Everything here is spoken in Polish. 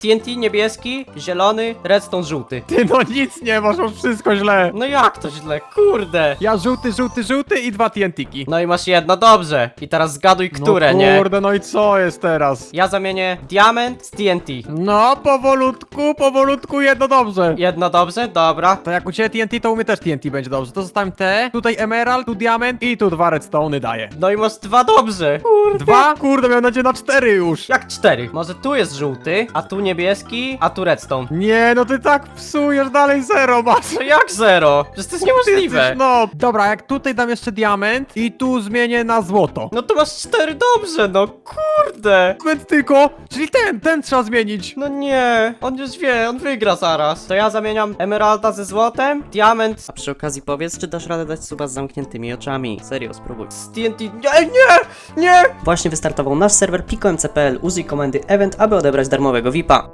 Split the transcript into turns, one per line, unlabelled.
TNT niebieski, zielony, redstone żółty.
Ty no nic nie masz, masz wszystko źle.
No jak to źle, kurde.
Ja żółty i 2 TNT-ki.
No i masz jedno, dobrze. I teraz zgaduj, które,
no
nie?
kurde, no i co jest teraz?
Ja zamienię diament z TNT.
No, powolutku, jedno dobrze.
Jedno dobrze? Dobra.
To jak u ciebie TNT, to u mnie też TNT będzie dobrze. To zostawiam te, tutaj emerald, tu diament i tu 2 redstone'y daję.
No i masz dwa dobrze. Kurde.
2? Kurde, miałem nadzieję na 4 już.
Jak 4? Może tu jest żółty, a tu niebieski, a tu redstone.
Nie, no ty tak psujesz, dalej 0 masz.
To jak 0? Przecież to jest niemożliwe.
No, dobra, jak tutaj dam jeszcze diament i tu zmienię na złoto.
No to masz 4 dobrze, no kurde.
Moment tylko, czyli ten trzeba zmienić.
No nie, on już wie, on wygra zaraz. To ja zamieniam emeralda ze złotem, diament
A przy okazji powiedz, czy dasz radę dać suba z zamkniętymi oczami. Serio, spróbuj.
z TNT. Nie!
Właśnie wystartował nasz serwer pikomc.pl. Użyj komendy event, aby odebrać darmowego VIPa.